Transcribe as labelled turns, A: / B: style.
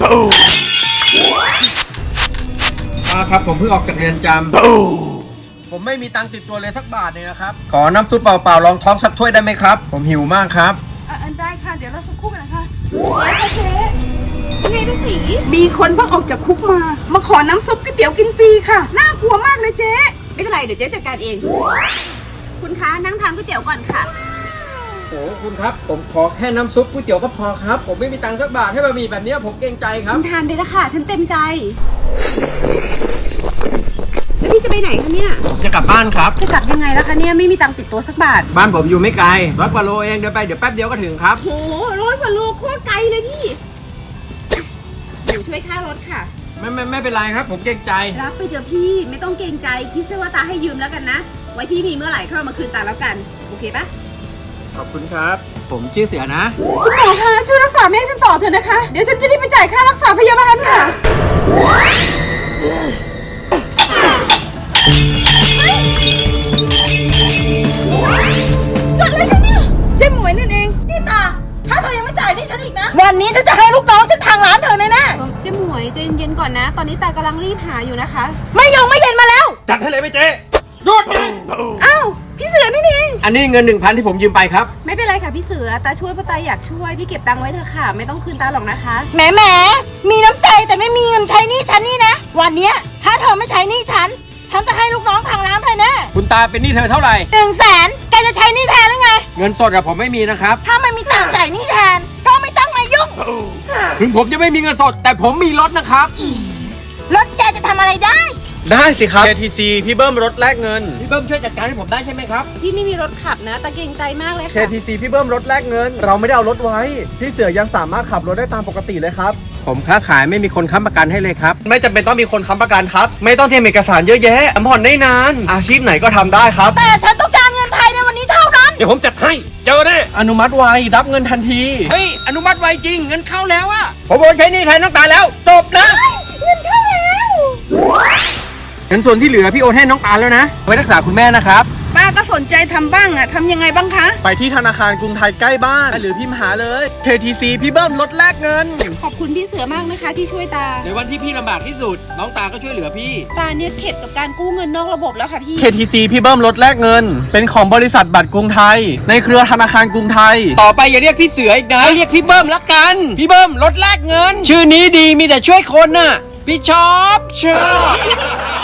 A: ครับผมเพิ่งออกจากเรือนจำผมไม่มีตังค์ติดตัวเลยสักบาทเลยนะครับขอน้ำซุปเปล่าๆรองท้องสักถ้วยได้ไหมครับผมหิวมากครับ
B: ได้ค่ะเดี๋ยวเราสักครู่กันนะคะเจ๊นี่พี่สีมีคนเพิ่งออกจากคุกมาขอน้ำซุปก๋วยเตี๋ยวกินฟรีค่ะน่ากลัวมากเลยเจ๊ไม่เป็นไรเดี๋ยวเจ๊จัดการเองคุณคะนั่งทานก๋วยเตี๋ยวก่อนค่ะ
A: โอ้คุณครับผมขอแค่น้ำซุปก๋วยเตี๋ยวก็พอครับผมไม่มีตังค์สักบาทให้บะหมี่แบบนี้ผมเกรงใจครับ
B: ทานได้ละค่ะท่านเต็มใจแล้วพี่จะไปไหนคะเนี่ย
A: จะกลับบ้านครับ
B: จะกลับยังไงล่ะคะเนี่ยไม่มีตังค์ติดตัวสักบาท
A: บ้านผมอยู่ไม่ไกล100 กว่าโลเองเดินไปเดี๋ยวแป๊บเดียวก็ถึงครับ
B: โห100 กว่าโลโคตรไกลเลยพี่หนูช่วยค่ารถค่ะ
A: ไม่เป็นไรครับผมเกรงใจ
B: รับไปเถอะพี่ไม่ต้องเกรงใจคิดซะว่าตาให้ยืมแล้วกันนะไว้พี่มีเมื่อไหร่เข้ามาคืนตาแล้วกันโอเคปะ
A: ขอบคุณครับผมชื่อเสือนะ
B: คุณหมอคะช่วยรักษาแม่ฉันต่อเถอะนะคะเดี๋ยวฉันจะรีบไปจ่ายค่ารักษาพยาบาลค่ะเกิดอะไรกันเนี่ยเจ๊หมวยนั่นเองนี่ตาถ้าเธอยังไม่จ่ายนี่ฉันอีกนะวันนี้ฉันจะให้ลูกน้องฉันพังร้านเธอแน่ๆเจ๊หมวยใจเย็นๆก่อนนะตอนนี้ตากำลังรีบหาอยู่นะคะไม่เย็นมาแล้ว
A: จัดให้เลยไหมเจ๊หยุด
B: อ้าวพี่เสือนี่เอง
A: อันนี้เงิน 1,000 ที่ผมยืมไปครับ
B: ไม่เป็นไรค่ะพี่เสือตาช่วยเพราะตาอยากช่วยพี่เก็บตังค์ไว้เถอะค่ะไม่ต้องคืนตาหรอกนะคะ
C: แหมมีน้ำใจแต่ไม่มีเงินใช้หนี้ฉันนี่นะวันนี้ถ้าเธอไม่ใช้หนี้ฉันจะให้ลูกน้องพังร้านเธอแน่
A: คุณตาเป็นหนี้เธอเท่าไหร่
C: 100,000แกจะใช้หนี้แทนหรือไง
A: เงินสดอะผมไม่มีนะครับ
C: ถ้าไม่มีตังค์จ่ายหนี้แทนก็ไม่ต้องมายุ่ง
A: ถึงผมจะไม่มีเงินสดแต่ผมมีรถนะครับ
C: รถแกจะทำอะไรได้
D: สิครับ KTC พี่เบิ้มรถแลกเงิน
A: พี่เบิ้มช่วยจัดการให้ผมได้ใช่ไหมครับ
B: พี่ไม่มีรถขับนะแต่เกรงใจมากเลยค่ะ
D: KTC พี่เบิ้มรถแลกเงินเราไม่ได้เอารถไว้พี่เสือยังสามารถขับรถได้ตามปกติเลยครับ
A: ผมค้าขายไม่มีคนค้ำประกันให้เลยครับ
D: ไม่จำเป็นต้องมีคนค้ำประกันครับไม่ต้องเตรียมเอกสารเยอะแยะผ่อนได้นานอาชีพไหนก็ทำได้ครับ
C: แต่ฉันต้องการเงินภายในวันนี้เท่านั้น
A: เดี๋ยวผมจัดให้เจอแน่
D: อนุมัติไวรับเงินทันที
A: เฮ้ยอนุมัติไวจริงเงินเข้าแล้วอะผมโอนใช้หนี้แทนน้องตาแล้วจบนะ
C: เงินเข้าแล้ว
A: เงินส่วนที่เหลือพี่โอนให้น้องตาลแล้วนะไว้รักษาคุณแม่นะครับ
B: ป้าก็สนใจทำบ้างอะทำยังไงบ้างคะ
D: ไปที่ธนาคารกรุงไทยใกล้บ้านหรือพิมพ์หาเลย KTC พี่เบิ้มรถแลกเงิน
B: ขอบคุณพี่เสือมากนะคะที่ช่วยตา
A: ในวันที่พี่ลำบากที่สุดน้องตาก็ช่วยเหลือพี่
B: ตาเนี่ยเข็ดกับการกู้เงินนอกระบบแล้วค่ะพี่
D: KTC พี่เบิ้มรถแลกเงินเป็นของบริษัทบัตรกรุงไทยในเครือธนาคารกรุงไทย
A: ต่อไปอย่าเรียกพี่เสืออีกนะเรียกพี่เบิ้มละกันพี่เบิ้มรถแลกเงินชื่อนี้ดีมีแต่ช่วยคนน่ะพี่ชอบ